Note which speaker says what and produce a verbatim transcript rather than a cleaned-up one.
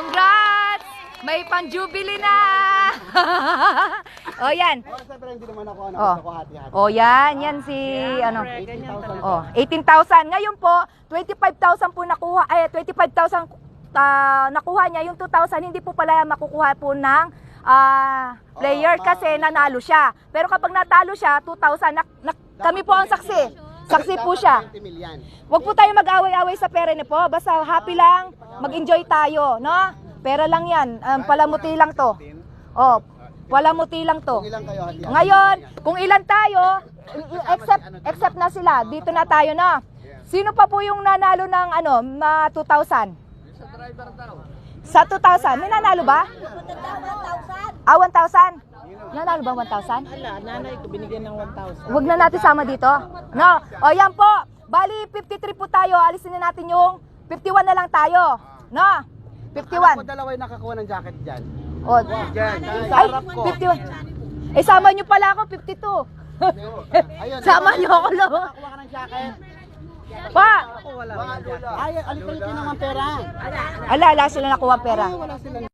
Speaker 1: Congrats! May pang-jubilee na! O, yan. Oh. Oh, yan. Yan si, ano. Oh, eighteen thousand. Ngayon po, twenty-five thousand po nakuha, ay, twenty-five thousand uh, nakuha niya. Yung two thousand, hindi po pala makukuha po ng uh, player kasi nanalo siya. Pero kapag natalo siya, two thousand, na, na, kami po ang saksi. Saksi po siya. Huwag po tayo mag-away-away sa pera niyo po. Basta happy lang, mag-enjoy tayo, no? Pera lang yan, um, palamuti lang to. Oh, palamuti lang to. Ngayon, kung ilan tayo, except, except na sila, dito na tayo na. Sino pa po yung nanalo ng ano, ma two thousand? Sa two thousand, may nanalo ba? Ah, one thousand? Nanalo ba one thousand?
Speaker 2: Ala, nanay ko binigyan ng one thousand.
Speaker 1: Huwag na natin sama dito. No. O yan po. Bali fifty-three po tayo. Alisin na natin yung fifty-one na lang tayo. No. fifty-one.
Speaker 2: Ako dalawa yung nakakuha ng jacket dyan.
Speaker 1: O.
Speaker 2: Dyan.
Speaker 1: Ay, fifty-one. Eh, sama nyo pala ako, fifty-two. Sama nyo ako, lo.
Speaker 2: Nakakuha ka ng jacket.
Speaker 1: Pa.
Speaker 2: Ako wala. Ay, alipalitin naman pera.
Speaker 1: Ala, ala sila nakuha ang pera.
Speaker 2: Wala sila.